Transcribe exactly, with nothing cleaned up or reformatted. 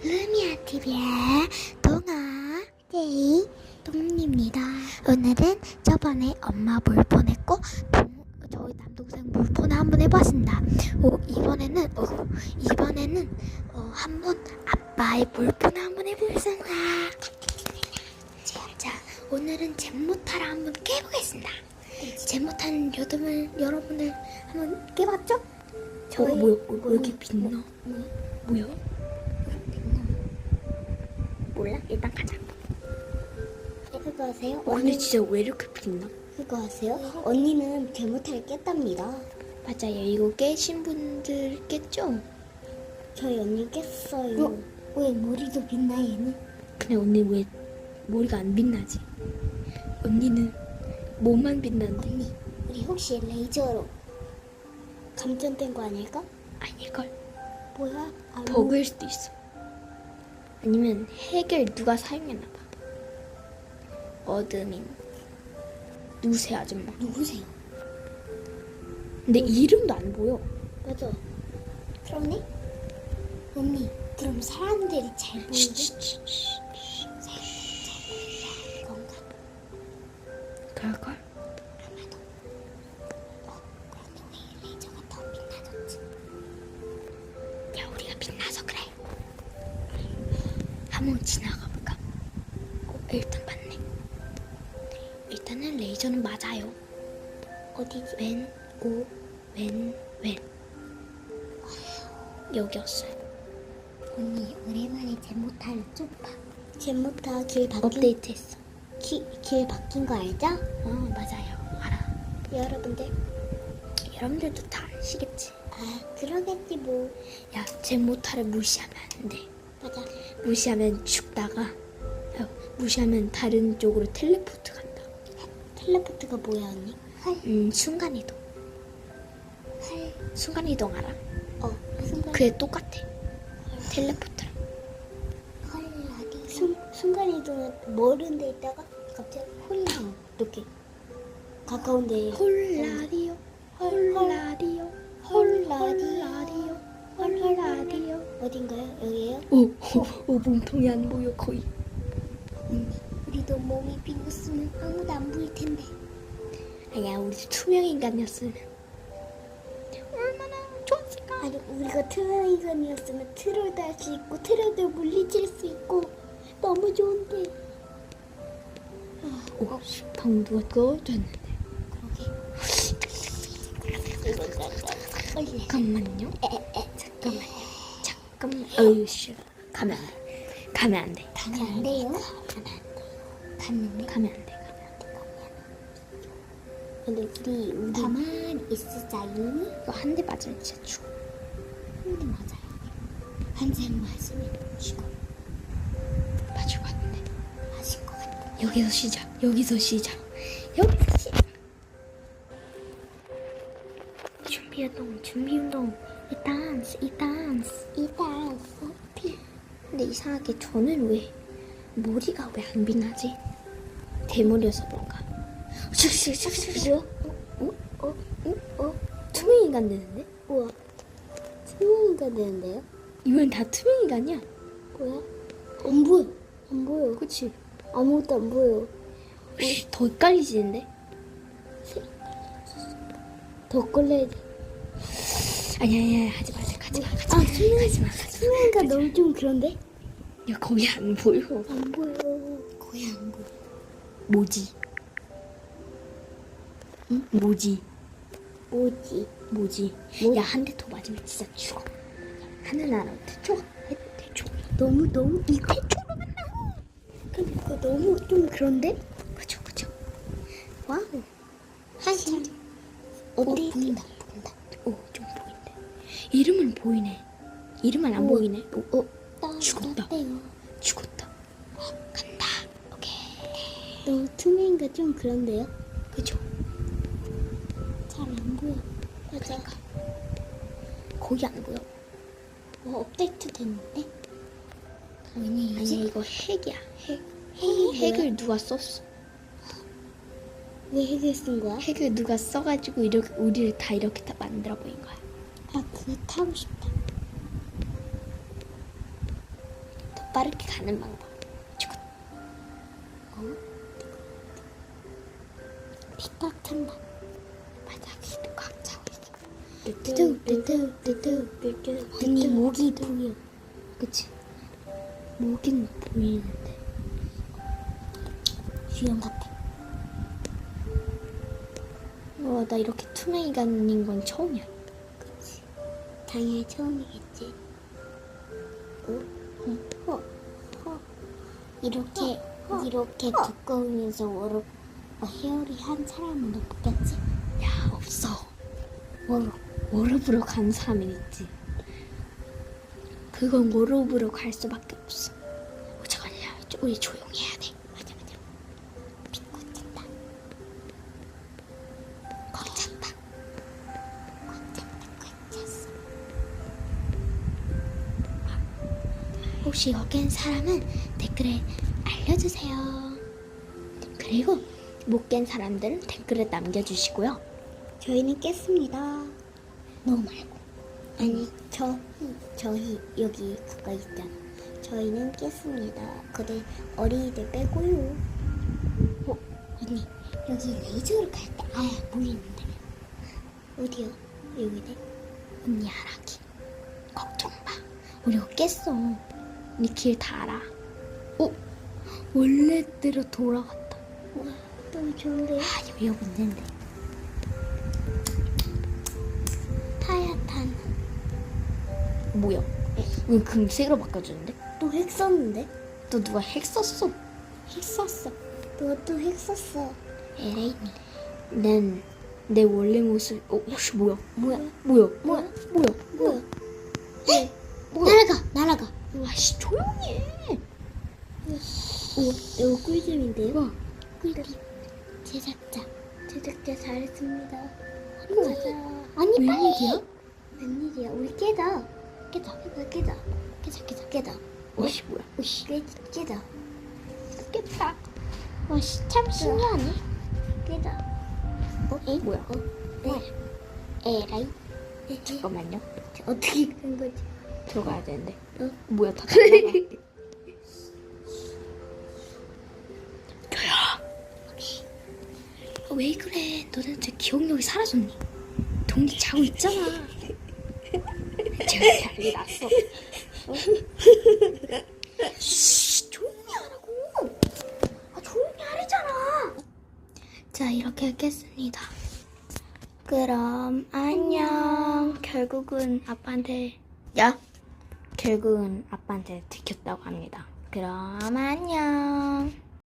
루미아 티비의 동아 데이 동입니다. 오늘은 저번에 엄마 물폰했고 동, 저희 남동생 물폰을 한번 해봤습니다. 오, 이번에는 어, 이번에는 어, 한번 아빠의 물폰을 한번 해보겠습니다. 자, 오늘은 잼모타를 한번 깨보겠습니다. 잼모타는 여러분을 여러분을 한번 깨봤죠? 저희 어, 뭐야? 어, 왜 이렇게 빛나? 뭐야? 뭐야? 몰라? 일단 가자. 그거 아세요? 어, 근데 진짜 왜 이렇게 빛나? 그거 아세요? 언니는 잼모타를 깼답니다. 맞아요. 이거 깨신 분들 깼죠? 저희 언니 깼어요. 어? 왜 머리도 빛나 얘는? 근데 언니 왜 머리가 안 빛나지? 언니는 몸만 빛나는데. 언니, 우리 혹시 레이저로 감전된 거 아닐까? 아닐걸? 뭐야? 아, 버그일 수도 있어. 아니면 핵을 누가 사용했나봐. 어드민 누구세요 아줌마? 누구세요? 근데 이름도 안 보여. 맞아. 그러네? 언니, 그럼 사람들이 잘 보이지? 그건가? 그럴걸? 아마도. 어, 그런데 왜 레이저가 더 빛나졌지? 야, 우리가 빛나서 그래. 한번 지나가 볼까? 어, 일단 봤네. 일단은 레이저는 맞아요. 어디지? 왼, 오, 왼, 왼. 여기였어요. 언니, 오랜만에 잼모타를 좀 봐. 잼모타 길 바뀐, 업데이트했어. 기, 길 바뀐 거 알죠? 어, 맞아요. 알아. 여러분들. 여러분들도 다 아시겠지. 아, 그러겠지 뭐. 야, 잼모타를 무시하면 안 돼. 맞아. 무시하면 죽다가, 야, 무시하면 다른 쪽으로 텔레포트 간다. 텔레포트가 뭐야, 언니? 헐, 음, 순간이동. 헐. 순간이동 알아? 어, 순간. 그게 똑같아. 텔레포트랑. 헐, 라디. 순, 순간이동은 멀은 데 있다가 갑자기 홀랑 이렇게 가까운 데. 홀라디오, 홀라디오, 홀라디오, 홀라디오. 어딘가요? 여기에요? 오, 오, 오, 몸통이 안 보여, 거의. 언니, 우리도 몸이 비었으면 아무도 안 보일 텐데. 아니야, 우리 투명 인간이었으면 얼마나 좋았을까? 아니, 우리가 트롤 인간이었으면 트롤도 할 수 있고 트롤도 물리칠 수 있고 너무 좋은데. 오, 방금 누가 꺼졌는데. 그러게. 잠깐만요. 잠깐만요. 잠깐만. 어휴, 씨. 가면 안 돼. 가면 안 돼. 가면 안 돼요? 가면 안 돼. 갔는데? 가면 안 돼. 가면 안 돼. 근데 우리, 우리 가만히 있으자요. 이거 한 대 맞으면 진짜 죽어. 근데 맞아요. 한 장 맞으면 죽어. 맞을 것 같은데. 맞을 것 같아. 여기서 시작. 여기서 시작. 여기서 시작. 준비운동, 준비운동. 이 댄스, 이 댄스. 이 댄스. 근데 이상하게 저는 왜 머리가 왜 안 빛나지? 대머리여서 그런가? 슉슉슉슉. 어? 어? 어? 어? 투명 인간 되는데? 우와. 투명인가 되는데요? 이건 다 투명 인간이야. 뭐야? 안 보여. 안 보여. 그치? 아무것도 안 보여. 씨, 더 헷갈리지는데? 더 걸려야 돼. 아니야, 아니야, 하지 마, 하지 마, 하지 마. 아, 투명, 하지 마, 하지 마. 투명인가 너무 좀 그런데? 야, 거기 안 보여. 안 보여. 거의 안 보여. 뭐지? 응? 뭐지? 뭐지? 뭐지? 뭐지? 야, 한 대 더 맞으면 진짜 죽어. 하늘나라 태초가 태초. 너무 너무 이 태초로 만나고. 근데 그거 너무 좀 그런데? 그죠, 그죠. 와우. 한참. 어디 보인다. 보인다. 오, 좀 보인대. 이름은 보이네. 이름은 안 오. 보이네. 오, 어, 딱 죽었다. 어때요? 죽었다. 어, 간다. 오케이. 너무 투명인가 좀 그런데요? 그죠? 잘 안 보여. 맞아. 그러니까. 거기 안 보여. 뭐 업데이트 됐는데? 아니, 왜냐지? 이거 핵이야. 핵. 핵이 핵을 누가 썼어? 왜 핵을 쓴 거야? 핵을 누가 써가지고 이렇게 우리를 다 이렇게 다 만들어 보인 거야. 아, 그거 타고 싶다. 빠르게 가는 방법. 지금 어? 픽박 찬다. 바닥이 꽉 차고 있어. 뚜뚜뚜뚜뚜뚜. 언니 목이 보여. 그치? 목은 보이는데. 주연 같아. 와, 나 이렇게 투명이가 아닌 건 처음이야. 그치. 당연히 처음이겠지. 어? 어? 어? 이렇게 이렇게 두꺼우면서 워로 어, 헤어리 한 사람은 없겠지? 야, 없어. 워로, 워럽으로 가는 사람이 있지. 그건 워럽으로 갈 수밖에 없어. 어, 잠깐만, 야, 우리 조용히 해야 돼. 맞아 맞아. 빗고 찬다. 꽉 찼다. 꽉 찼다 꽉 찼어. 혹시 여기 인 사람은 댓글에 알려주세요. 그리고 못 깬 사람들은 댓글에 남겨주시고요. 저희는 깼습니다. 너 말고. 아니 저 저희 여기 가까이 있잖아. 저희는 깼습니다. 근데 어린이들 빼고요. 어 언니 여기 레이저로 갈 때 아예 보이는데 어디요? 여기네. 언니 알아기. 걱정 마. 우리가 깼어. 우리 길 다 알아. 어? 원래대로 돌아갔다. 우와 너무 좋은데. 아, 여기 여기 있는데. 하얗단. 뭐야? 왜 금색으로 바꿔주는데? 또 핵 썼는데? 또 누가 핵 썼어? 핵 썼어. 너 또 핵 썼어. 에레이. 난 내 원래 모습. 어, 혹시 뭐야? 뭐야? 뭐야? 뭐야? 뭐야? 뭐야? 에? 뭐야? 날아가 날아가. 아씨, 조용히 해. 오 이거 꿀잼인데요? 와. 꿀잼. 제작자. 제작자 잘했습니다. 우와. 가자. 아니 빨리. 웬일이야? 웬일이야? 우리 깨자. 깨자. 깨자. 깨자. 깨자. 깨자. 깨자. 와씨, 뭐야? 오씨. 깨, 깨자. 깼다. 와씨, 참 신기하네. 깨자. 어? 에? 뭐야? 어? 네. 에라이. 네. 잠깐만요. 어떻게 된 거지? 들어가야 되는데. 어? 뭐야, 다 날라가. 아, 왜 그래? 너 도대체 기억력이 사라졌니? 동기 자고 있잖아. 제가 난리 났어. 어? 쉬, 조용히 하라고. 아, 조용히 하래잖아. 자, 이렇게 깼습니다. 그럼 안녕. 결국은 아빠한테 야. 결국은 아빠한테 들켰다고 합니다. 그럼 안녕.